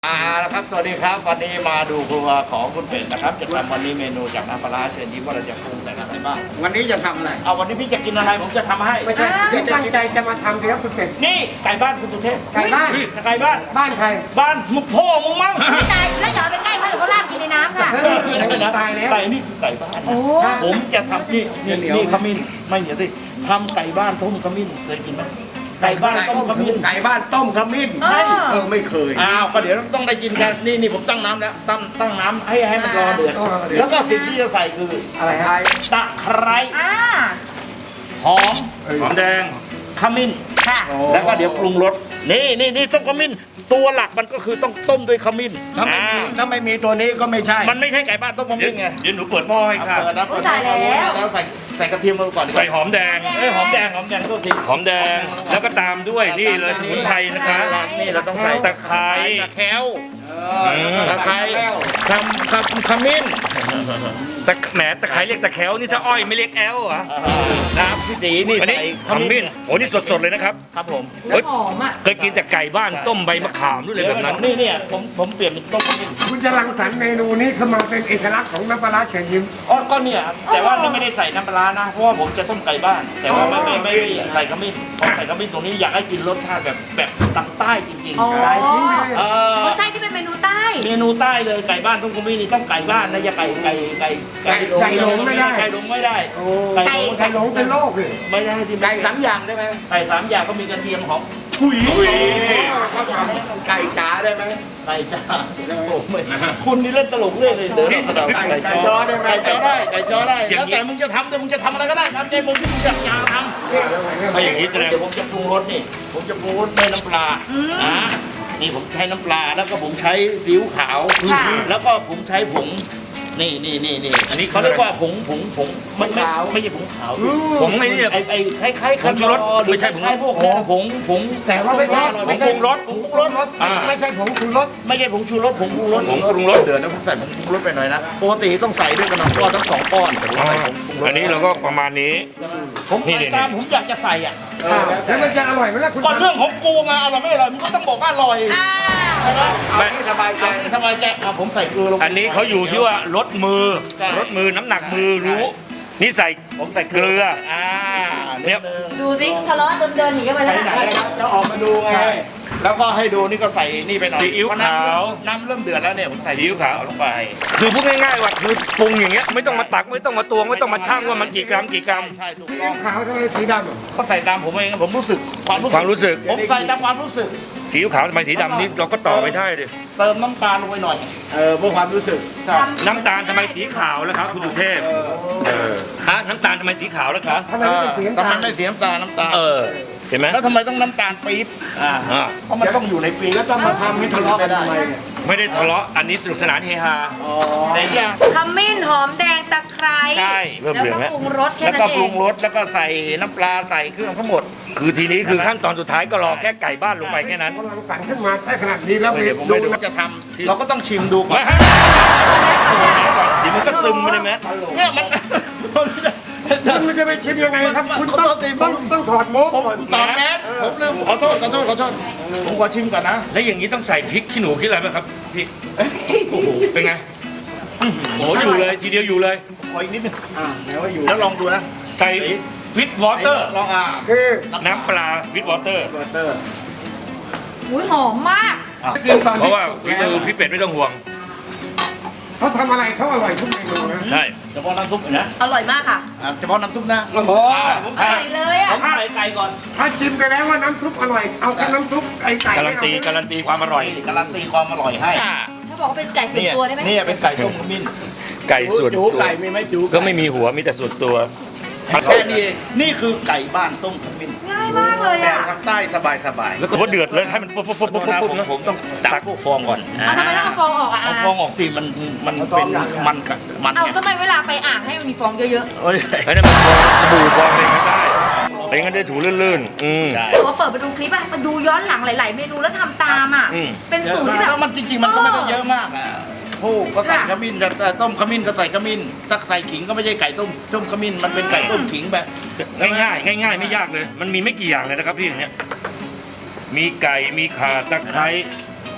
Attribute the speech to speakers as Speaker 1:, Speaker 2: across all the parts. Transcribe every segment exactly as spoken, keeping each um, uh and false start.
Speaker 1: อ่าแล้วครับสวัสดีครับวันนี้มาดูครัวของคุณเป็ดนะครับจะทำวันนี้เมนูจากน้ำปลาร้าเชิญยิ้มว่าเราจะปรุงแต่อะไรบ้าง
Speaker 2: วันนี้จะทำอะไร
Speaker 1: เอาวันนี้พี่จะกินอะไรผมจะทำให้
Speaker 3: ไม่ใช่พี่ตั้งใจจะมาทำสิครับคุณเป็ด
Speaker 1: นี่ไก่บ้านคุณสุเทพ
Speaker 3: ไก่บ้าน
Speaker 1: ไก่บ้าน
Speaker 3: บ้านใคร
Speaker 1: บ้านมึงพ่อมึงมั้ง
Speaker 4: ไม่ตายแล้วอย่าเอาไปใกล้เขาเดี๋ยวเขาลากกินในน้ำค่ะ
Speaker 3: ตายแล้ว
Speaker 1: ไก่นี่คือไก่บ้าน
Speaker 4: โอ้
Speaker 1: ผมจะทำนี่นี่นี่ขมิ้นไม่เหนียวสิทำไก่บ้านต้มขมิ้นเคยกินไหมไก่บ้านต้มขมิ้น
Speaker 2: ไก่บ้านต้มขมิ้น
Speaker 4: เออ
Speaker 2: เออไม่เคย
Speaker 1: อ้าวก็เดี๋ยวต้องได้กินกันนี่นี่ผมตั้งน้ำแล้วตั้งตั้งน้ำให้ให้มันรอเดือดแล้วก็สิ่งที่จะใส่คือ
Speaker 3: อะไรฮะ
Speaker 1: ตะไคร้
Speaker 4: อ่า
Speaker 1: หอม
Speaker 5: หอมแดง
Speaker 1: ขมิ้น
Speaker 4: ค่ะ
Speaker 1: แล้วก็เดี๋ยวปรุงรสนี่นี่นี่ต้มขมิ้นตัวหลักมันก็คือต้องต้มด้วยขมิ้น
Speaker 2: ถ้าไม่
Speaker 1: อ่า
Speaker 2: มีถ้าไม่มีตัวนี้ก็ไม่ใช่
Speaker 1: มันไม่ใช่ไก่บ้านต้มข
Speaker 5: เดี๋ยว
Speaker 1: มิ้นไง
Speaker 5: เดี๋ยวหนูเปิดหม้อให้ค่ะ
Speaker 1: เปิดนะเปิดนะแล้วใส่ใส่กระเทียมมาก่อนดีก
Speaker 5: ใส่
Speaker 1: ว่า
Speaker 5: หอมแดง
Speaker 1: เอ้ยหอมแดงหอมแดงก็ที
Speaker 5: หอมแดง แล้วก็ตามด้วยนี่เลยสมุนไพรนะคะ
Speaker 1: นี่เราต้องใส่
Speaker 5: ตะไคร้
Speaker 1: ตะแคร้ว
Speaker 2: เออ
Speaker 1: ตะไคร้คำคำขมิ้น
Speaker 5: ตะแหมตะไคร้เรียกตะแคร้วนี่ถ้าอ้อยไม่เรียกแอลเหรอ
Speaker 1: น้ำพี่ตีนี่
Speaker 5: อันนี้
Speaker 1: ใส่
Speaker 5: ขมิ้นโอ้นี่สดๆเลยนะครับ
Speaker 1: ครับผม
Speaker 4: แล้วหอมอ่ะ
Speaker 5: เคยกินแต่ไก่บ้านต้มใบมะขามด้วยเลยแบบนั้น
Speaker 1: นี่เนี่ยผมผมเปลี่ยนเป็นต้มขมิ้น
Speaker 3: คุณจะรังสรรค์เมนูนี้ขึ้นมาเป็นเอกลักษณ์ของน้ำปลาร้าเชิญยิ้ม
Speaker 1: อ๋อก็เนี่ยครับแต่ว่านี่ไม่ได้ใส่น้ำปลาร้านะเพราะว่าผมจะต้มไก่บ้าน แต่ว่าไม่ไม่ไม่ไม่ใส่ขมิ้นผมใส่ขมิ้นตรงนี้อยากให้กินรสชาติแบบแบบทางใต้จริง
Speaker 4: โอ้
Speaker 1: ๆ
Speaker 3: หลายชิ้นเลย
Speaker 1: เออ
Speaker 4: รสชาติที่เป็นเมนูใต้
Speaker 1: เมนูใต้เลยไก่บ้านต้มขมิ้นนี่ต้องไก่บ้านนะอย่าไก่ไก่ไก่
Speaker 3: ไก่หลงไม่ได้
Speaker 1: ไก่หลงไม่ได้
Speaker 3: โอ้
Speaker 1: ไก่หลง
Speaker 3: ไก่หลงเป็นโรคเลย
Speaker 1: ไม่ได้ที่
Speaker 2: ไก่สามอย่างได้ไหม
Speaker 1: ไก่สามอย่างก็มีกระเทียมหอมถุย
Speaker 2: เขาทำไก่จ๋าได้ไหม
Speaker 1: ไก่จ้าโอ้ไม่คุณนี่เล่นตลกเรื่อยเลยเดี๋ยวเรากระโดดไก่จอได้ไหมไก่จอได้ไก่จอได้แล้วแต่มึงจะทำแต่มึงจะทำอะไรก็ได้ทำใจมึงที่มึงอยากจะทำ
Speaker 5: ถ้าอย่างนี้แสดง
Speaker 1: เดี๋ยวผมจะปรุงรสนี่ ผมจะปรุงรสด้วยน้ำปลาอ่านี่ผมใช้น้ำปลา แล้วก็ผมใช้ซีอิ๊วขาว
Speaker 4: ค่ะ
Speaker 1: แล้วก็ผมใช้ผง นี่นี่นี่นี่อันนี้เขาเรียกว่าผงผงผงไม่ไม่ไม่ใช่ผงขาว
Speaker 5: ผมไม่เนี่ย
Speaker 1: ไอ้ไอ้คล้ายคล้ายๆ
Speaker 5: ผงชูรส
Speaker 1: หรือ
Speaker 5: ไม่ใช่ผง
Speaker 1: คล้ายๆพวกนี้ผงผง
Speaker 3: แต่ว่าไม่ใช่
Speaker 5: ผงปรุงรส
Speaker 1: ผงปรุงรส
Speaker 5: อ่า
Speaker 3: ไม่ใช่ผงชูรส
Speaker 1: ไม่ใช่ผงชูรสผงปรุงรส
Speaker 5: ผงปรุงรส
Speaker 1: เดือดแล้วผมใส่ผงปรุงรสไปหน่อยนะปกติต้องใส่ด้วยกันทั้งก้อนทั้งสองก้อนแต่ผม
Speaker 5: อ๋อ
Speaker 1: ใส่ผงปรุงรส
Speaker 5: อันนี้เราก็ประมาณนี้
Speaker 1: ผม
Speaker 5: นี่
Speaker 1: ใส่
Speaker 5: นี่
Speaker 1: ตามผมอยากจะใส่อ่ะ
Speaker 3: อ่าแล้วมันจะอร่อยไหมล่ะคุณ
Speaker 1: ก่อนเรื่องของกูไงอร่อยไม่อร่อยมึงก็ต้องบอกว่าอร่อย
Speaker 4: อ่า
Speaker 1: ใช่ไหม
Speaker 2: เอาที่สบายใจ
Speaker 1: ทำไมแกเอาผมใส่เกลือลงไป
Speaker 5: อันนี้เขาอยู่ที่ว่ารสมือ
Speaker 1: ใช่
Speaker 5: รสมือน้ำหนักมือรู้ นี่ใส่
Speaker 1: ผมใส่
Speaker 5: เกลือ
Speaker 1: อ่า
Speaker 5: เนี่
Speaker 1: นิ
Speaker 5: ย
Speaker 1: ดนึง
Speaker 4: ดูสิทะเลาะจนเดินหนีกันไปแล้ว
Speaker 1: ไหน
Speaker 4: นะ
Speaker 1: ๆ
Speaker 2: จะออกมาดูไง
Speaker 1: ใช่แล้วก็ให้ดูนี่ก็ใส่นี่ไปหน่อย
Speaker 5: ซีอิ๊ว
Speaker 1: เพระน้ำ
Speaker 5: ขาว
Speaker 1: น้ำเริ่มเดือดแล้วเนี่ยผมใส่
Speaker 5: ซีอิ๊วขาว
Speaker 1: ลงไป
Speaker 5: คือพูดง่ายๆว่าคือปรุงอย่างเงี้ยไม่ต้องมาตักไม่ต้องมาตวงไม่ต้องมาชั่งว่ามันกี่กรัมกี่กรัม
Speaker 1: ใช่ถูก
Speaker 3: ซี
Speaker 1: ต้
Speaker 3: อิ๊
Speaker 1: อง
Speaker 3: วขาวทำไมสีดำอ่ะ
Speaker 1: ก็ใส่ตามผมเองผมรู้สึกความรู้สึก
Speaker 5: ความรู้สึก
Speaker 1: ผมใส่ตามความรู้สึก
Speaker 5: สีอิ๊วขาวทำไมสีดำนี่เราก็ต่อไปได้ดิ
Speaker 1: เติมน้ำตาลลงไปหน่อย
Speaker 2: เออเพื่อความรู้สึก
Speaker 1: ใช่
Speaker 5: น้ำตาลทำไมสีขาวแล้วครับคุณสุเทพเออฮะน้ำตาลทำไมสีขาวแล้วครับ
Speaker 3: ทำไมไม่เป็นสี
Speaker 1: ทำ
Speaker 3: น้ำ
Speaker 1: ไม
Speaker 3: ตาล
Speaker 1: ไม่เสียน้ำตาลน้ำตาล
Speaker 5: เออเห็นไหม
Speaker 1: แล้วทำไมต้องน้ำตาลปี๊บอ่า
Speaker 5: อ่า
Speaker 1: เพราะมันต้องอยู่ในปี๊บ
Speaker 2: แล้วต้องมาทำให้ทะเลาะกันทำไมเนี่ย
Speaker 5: ไม่ได้ทะเลาะอันนี้สนุกสนานเฮฮา
Speaker 1: แต่อย่าง
Speaker 4: ขมิ้นหอมแดงตะไคร้
Speaker 1: ใช่
Speaker 5: เริ่ม
Speaker 4: แล้ว
Speaker 5: เหลือง
Speaker 4: ก็
Speaker 5: แล้ว
Speaker 4: ปรุงรสแค่
Speaker 1: แล้ว
Speaker 4: นั้
Speaker 1: ก็
Speaker 4: นเอ
Speaker 1: ปรุ
Speaker 4: ง
Speaker 1: งรสแล้วก็ใส่น้ำปลาใส่เครื่องทั้งหมด
Speaker 5: คือทีนี้คือขั้นตอนสุดท้ายก็รอแค่ไก่บ้านลงไปแค่นั้น
Speaker 3: กำลังสรรค์ขึ้นมาได้ขนาดนี้แล้ว
Speaker 1: เดี๋ยวผม
Speaker 3: ดู
Speaker 1: ไม่ดูว่าจะทำเราก็ต้องชิมดูก่อน
Speaker 5: มาฮะเดี๋ยวมันก็ซึมไปเลยไหม
Speaker 1: เนี่ยมัน
Speaker 3: คุณจะไปชิมยังไงครับ คุณ
Speaker 1: ขอ
Speaker 3: ต้
Speaker 1: โท
Speaker 3: อง
Speaker 1: ษทีผ
Speaker 3: ต้อ
Speaker 1: ม
Speaker 3: งต้องถอดโม้
Speaker 1: ผมตอบแมสผมลืมขอโทษขอโทษขอโทษผมขอชิมก่อนนะ
Speaker 5: แล้วอย่างนี้ต้องใส่พริกขี้หนูขี้อะไรไหมครับพริกโอ้โหเป็นไงโอ้โหอยู่เลยทีเดียวอยู่เลย
Speaker 1: ขออีกนิดนึง
Speaker 2: อ่าเดี๋ยวอยู่
Speaker 1: แล้วลองดูนะ
Speaker 5: ใส่วิตวอเตอร์
Speaker 1: ลองอ่า
Speaker 3: คือ
Speaker 5: น้ำปลาวิตวอเตอร์
Speaker 2: เบอร์เตอร์
Speaker 4: อุ้ยหอมมาก
Speaker 3: กินตอน
Speaker 5: เพ
Speaker 3: ที่
Speaker 5: ราะว่าวิตพี่เป็ดไม่ต้องห่วง
Speaker 3: เขาทำอะไรเขาอร่อยทุกเมนูนะ
Speaker 5: ใช่
Speaker 1: เฉพาะน้ำซุปนะ
Speaker 4: อร่อยมากค่ะ
Speaker 1: อ่าเฉพาะน้ำซุปนะ
Speaker 2: โอ้โห
Speaker 1: ผม
Speaker 4: อ
Speaker 1: ใส่
Speaker 4: ร่อยเลยอ่ะ
Speaker 1: ผมใส่ไก่ก่อน
Speaker 3: ถ้าชิมกันแล้วว่าน้ำซุปอร่อย เอาแค่น้ำซุปไก่ไก่
Speaker 5: การันตีการันตีความอร่อย
Speaker 1: การันตีความอร่อยให้
Speaker 4: ถ้าบอกว่าเป็นไก่ส่วน
Speaker 1: เนี่ย
Speaker 4: ตัวได้ไหม
Speaker 1: เนี่ยเป็นไก่ต้มขมิ้น
Speaker 5: ไก่ส่วน
Speaker 2: จู
Speaker 5: ตัว
Speaker 2: ไก่มีไหมจู
Speaker 5: ก็ไม่มีหัวมีแต่ส่วนตัว
Speaker 1: แค่นี้เองนี่คือไก่บ้านต้มขมิ้น
Speaker 4: ง่ายมากเลย
Speaker 1: แบบ
Speaker 4: อ่ะ
Speaker 1: ทางใต้สบายสบาย
Speaker 5: แล้วก็เดือดเลยให้มันปุ๊บปุ๊บปุ๊บ
Speaker 1: โท
Speaker 5: ปุ๊
Speaker 1: ษ
Speaker 5: บ
Speaker 1: นะ
Speaker 5: ปุ๊บ
Speaker 1: ผม
Speaker 5: นะ
Speaker 1: ผมต้องตักพวกฟองก่อน
Speaker 4: เอาทำไมต้องเอาฟองออกอ่ะ
Speaker 1: เอา
Speaker 4: อา
Speaker 1: ฟองออกสิมันมันเป็นมันกับมัน
Speaker 4: เอา
Speaker 1: ไง
Speaker 4: ทำไมเวลาไปอ่างให้มันมีฟองเยอะ
Speaker 1: เอ้ย
Speaker 5: ไอ้นั่นมันฟองสบู่ฟองอะไรก็ได้แต่งั้นได้ถูลื่นๆอืม
Speaker 1: ได้
Speaker 4: ๆแต่ว่าเปิดมาดูคลิปอ่ะมาดูย้อนหลังหลาย ๆ เมนูแล้วทำตามอ่ะ
Speaker 5: อืม
Speaker 4: เป็นสูตรที่แบบ
Speaker 1: แล้วมันจริงๆมันก็ไม่ได้เยอะมากอ่ะโอ้ก็ใส่ขมิ้นแต่ต้มขมิ้นก็ใส่ขมิ้นถ้าใส่ขิงก็ไม่ใช่ไก่ต้มต้มขมิ้นมันเป็นไก่ต้มขิงแบบ
Speaker 5: ง่ายๆง่ายๆไม่ยากเลย มันมีไม่กี่อย่างเลยนะครับพี่อย่างเนี้ยมีไก่มีข่าตะไคร้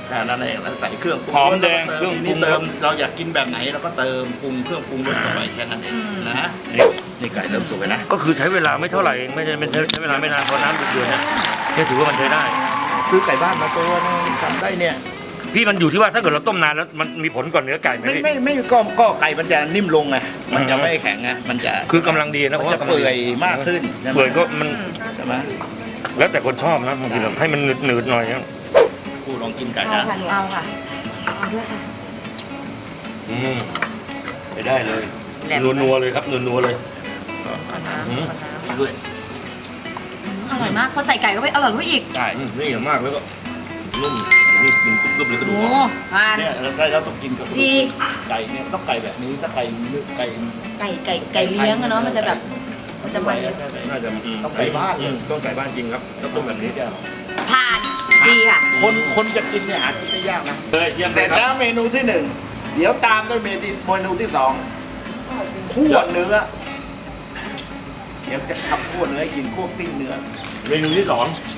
Speaker 1: แค่นั้นเองแล้วใส่เครื่องปรุง
Speaker 5: หอมแดง
Speaker 1: แล้วก็
Speaker 5: เครื่องปรุง
Speaker 1: นี่เติมเราอยากกินแบบไหนเราก็เติมปรุงเครื่องปรุงรสเข้าไปแค่นั้นเองนะ
Speaker 5: นี่
Speaker 1: นี่ไก่เริ่มสุกไปนะ
Speaker 5: ก็คือใช้เวลาไม่เท่าไหร่เองไม่ใช่ไม่ใช่ใช้เวลาไม่นานพอน้ำเดือดๆเนี่ยเนี่ยถือว่ามันใช้ได้
Speaker 1: คือไก่บ้านมาตัวนึงทำได้เนี่ย
Speaker 5: พี่มันอยู่ที่ว่าถ้าเกิดเราต้มนานแล้วมันมีผลก่อนเนื้อไก่ไหม
Speaker 1: ไม่
Speaker 5: พี่
Speaker 1: ไม่ไม่ก็ก็ไก่มันจะนิ่มลงไงมันจะไม่แข็งไงมันจะ
Speaker 5: คือกำลังดีนะเพ
Speaker 1: มัน
Speaker 5: ราะ
Speaker 1: จะ
Speaker 5: ว่ากำลัง
Speaker 1: เปื่
Speaker 5: ดี
Speaker 1: อยมากขึ้นใช่ไหม
Speaker 5: เปื่อยก็มัน
Speaker 1: ใช่ไหม
Speaker 5: แล้วแต่คนชอบนะบางทีเราให้มันหนืดๆหน่อยนะ
Speaker 1: กูลองกินไก่
Speaker 4: เอา
Speaker 1: นะ
Speaker 4: ค่ะหนูเอาค่ะเอาด้วยค่ะ
Speaker 5: อืมไปได้เลย
Speaker 4: แหลม
Speaker 5: นัวๆเลยครับนัวๆเลย
Speaker 4: เอาน้ำ
Speaker 5: อืม
Speaker 4: เอาน้
Speaker 5: ด้วย
Speaker 4: ำอร่อยมากพอใส่ไก่เข้าไปอร่อยเข้าไปอีก
Speaker 1: ใช่
Speaker 5: อืมนี่อย่างมากแล้วก็นุ่มนี่กินกรึบๆเลยกระดู
Speaker 4: โอ้
Speaker 5: กอ่อน
Speaker 4: ทาน
Speaker 1: เนี่ยเราใช่เราต้องกินกับ
Speaker 4: ดี
Speaker 1: ไก่เนี่ยต้องไก่แบบนี้ถ้าไก่เลือกไก่
Speaker 4: ไก่ไก่ไก่เลี้ยงอะเนาะมันจะแบบมันจะมัน
Speaker 5: น่าจะอืม
Speaker 1: ต้องไก่บ้าน
Speaker 5: อืมต้องไก่บ้านจริงครับต้องต้มแบบนี้
Speaker 4: ทานดีค่ะ
Speaker 1: คนคนจะกินเนี่ยหากินได้ยากนะ
Speaker 5: เลยเยี่ยม
Speaker 1: เส
Speaker 5: เล
Speaker 1: ร็
Speaker 5: ย
Speaker 1: จ
Speaker 5: ค
Speaker 1: แล้
Speaker 5: รับ
Speaker 1: วเมนูที่หนึ่งเดี๋ยวตามด้วยเมนูเมนูที่สองคั่วเนื้อเดี๋ยวจะทำคั่วเนื้อให้กินคั่วปิ้งเนื้อ
Speaker 5: เมนูที่สอง